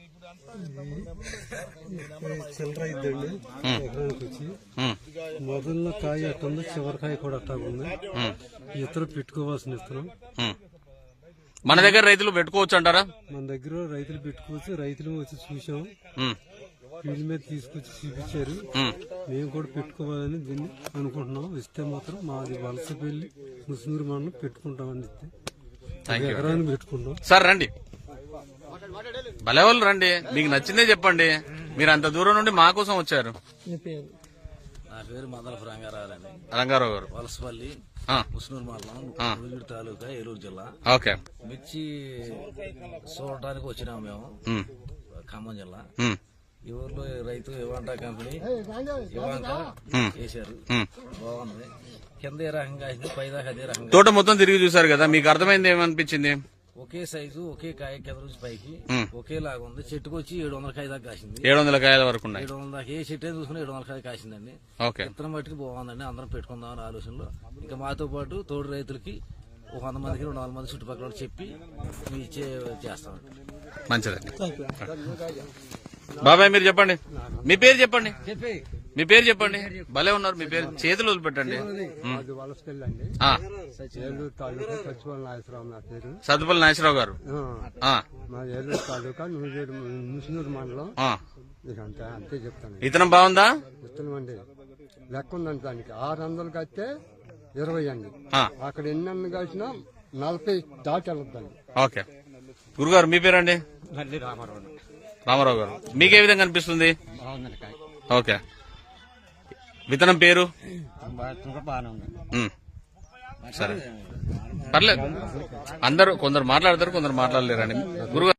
E: చిల్లర ఇద్దండి ఎకరానికి వచ్చి.
B: ఉమ్,
E: మొదల్లో కాయ అట్టుంది, చివరికాయ కూడా అట్టాగుంది.
B: ఉమ్,
E: ఇత్తనం పెట్టుకోవాల్సిన ఇత్తనం.
B: ఉమ్. మన దగ్గర రైతులు పెట్టుకోవచ్చు అంటారా?
E: మన దగ్గర రైతులు పెట్టుకోవచ్చు, రైతులు వచ్చి చూసాము,
B: ఉమ్,
E: ఫీల్డ్ మీద తీసుకొచ్చి చూపించారు.
B: ఉమ్.
E: మేము కూడా పెట్టుకోవాలని దీన్ని అనుకుంటున్నాం. ఇస్తే మాత్రం మాది వలసపల్లి ముస్నూరు మండలం పెట్టుకుంటామని ఇస్తే
B: థ్యాంక్ యూ.
E: ఎకరాన్ని పెట్టుకుంటాం.
B: సార్ రండి, భలే వాళ్ళు రండి. మీకు నచ్చిందే చెప్పండి. మీరు అంత దూరం నుండి మా కోసం వచ్చారు.
F: నా పేరు మదనపు రంగారావులండి,
B: రంగారావు గారు.
F: వలసపల్లి
B: ఆ,
F: ఉస్నూరు మండలం,
B: ఆ.
F: మురుగుడు తాలూకా, ఏలూరు జిల్లా.
B: ఓకే.
F: మిర్చి చూడటానికి వచ్చినాము మేము,
B: ఉమ్,
F: ఖమ్మం జిల్లా.
B: ఉమ్,
F: ఈ ఊర్లో రైతు ఇవాంటా కంపెనీ ఇవాంటా
B: ఉమ్,
F: వేశారు.
B: ఉమ్.
F: బాగుంది. కింద ఏ రకంగా అయింది, పైదాకా అదే రకంగా.
B: తోట మొత్తం తిరిగి చూసారు కదా, మీకు అర్థమైంది ఏమనిపించింది?
F: ఒకే సైజు, ఒకే కాయ, కింద నుంచి పైకి
B: ఉమ్.
F: ఒకేలాగా ఉంది. చెట్టుకు వచ్చి ఏడు వందల కాయ దాకా కాసింది.
B: ఏడు వందల కాయల వరకు ఉన్నాయి.
F: ఏడు వందల దాకా ఏ చెట్టు చూసుకుని ఏడు వందల కాయ కాసిందండి.
B: ఓకే.
F: విత్తనం మట్టుకు బాగుందండి. అందరం పెట్టుకుందామని ఆలోచనలో, ఇంకా మాతో పాటు తోడు రైతులకి ఒక వంద మందికి రెండు వందల మంది చుట్టుపక్కల వాళ్ళకి చెప్పి మీ ఇచ్చే చేస్తామండి.
B: మంచిదండి. బాబాయ్ మీరు చెప్పండి, మీ పేరు చెప్పండి. మీ పేరు చెప్పండి. భలే ఉన్నారు. మీ పేరు చేతులు వదిలిపెట్టండి. ఉమ్.
E: అది వలసపల్లి అండి,
B: ఆ,
E: ఏలూరు తాలూకా సచివాలయ నాగేశ్వరరావు నా పేరు.
B: సత్తుపల్లి నాగేశ్వరరావు గారు.
E: ఆ,
B: ఆ,
E: మా ఏలూరు తాలూకా నూజేడు ముసునూరు మండలం.
B: ఆ.
E: ఇక అంతే అంతే చెప్తాను.
B: విత్తనం బాగుందా?
E: విత్తనం అండి లెక్క ఉందండి దానికి. ఆరు వందలు కడితే ఇరవై అండి,
B: ఆ,
E: అక్కడ ఎన్ని అన్ని కలిసినా నలభై దాటి వెళ్ళొద్దండి.
B: ఓకే. గురుగారు మీ పేరండి?
E: మళ్ళీ రామారావు
B: రామారావు గారు. మీకే విధంగా అనిపిస్తుంది?
E: బాగుందండి కాయ,
B: ఓకే. విత్తనం పేరు?
E: బాగానే ఉంది.
B: ఉమ్. సరే పర్లేదు అందరూ కొందరు మాట్లాడతారు కొందరు మాట్లాడలేరండి గురుగారు